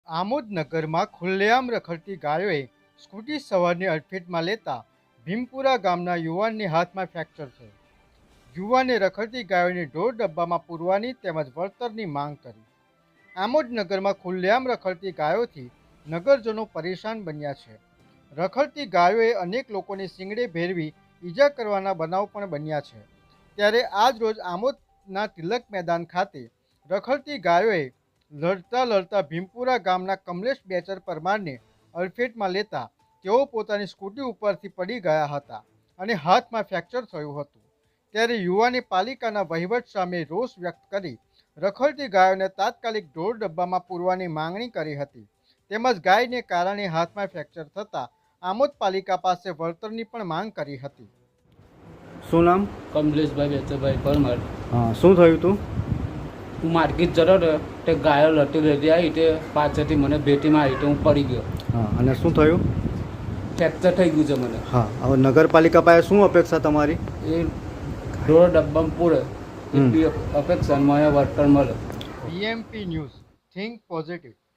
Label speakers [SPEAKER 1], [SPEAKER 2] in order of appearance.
[SPEAKER 1] આમોદ નગરમાં ખુલ્લેઆમ રખડતી ગાયોએ સ્કૂટી સવારને અડફેટમાં લેતા ભીમપુરા ગામના યુવાનની હાથમાં ફ્રેક્ચર થયું. યુવાને રખડતી ગાયોને ઢોર ડબ્બામાં પૂરવાની તેમજ વળતરની માંગ કરી. આમોદ નગરમાં ખુલ્લેઆમ રખડતી ગાયોથી નગરજનો પરેશાન બન્યા છે. રખડતી ગાયોએ અનેક લોકોને શીંગડે ભેરવી ઈજા કરવાના બનાવ પણ બન્યા છે. ત્યારે આજ રોજ આમોદના તિલક મેદાન ખાતે રખડતી ગાયોએ લડતા ભીમપુરા ગામના કમલેશ બેચર પરમારને અડફેટમાં લેતા તેઓ પોતાની સ્કૂટી ઉપરથી પડી ગયા હતા અને હાથમાં ફ્રેક્ચર થયું હતું. ત્યારે યુવાને પાલિકાના વહીવટ સામે રોષ વ્યક્ત કરી રખડતી ગાયોને તાત્કાલિક ઢોર ડબ્બામાં પૂરવાની માંગણી કરી હતી. તેમજ ગાયને કારણે હાથમાં ફ્રેક્ચર થતાં આમોદ પાલિકા પાસે વળતરની પણ માંગ કરી હતી.
[SPEAKER 2] શું નામ?
[SPEAKER 3] કમલેશભાઈ બેચરભાઈ પરમાર.
[SPEAKER 2] હા, શું થયું હતું?
[SPEAKER 3] હું માર્કેટ જતો હતો તે ગાયો લટી લેતી આવી તે પાછળથી મને ભેટીમાં આવી તો હું પડી ગયો.
[SPEAKER 2] હા, અને શું થયું?
[SPEAKER 3] ફ્રેક્ચર થઈ ગયું છે મને.
[SPEAKER 2] હા, હવે નગરપાલિકા પાસે શું અપેક્ષા તમારી?
[SPEAKER 3] એ ઢોર ડબ્બામાં પૂરે એટલી અપેક્ષા મને વર્તન મળે.
[SPEAKER 1] BMP news, think positive.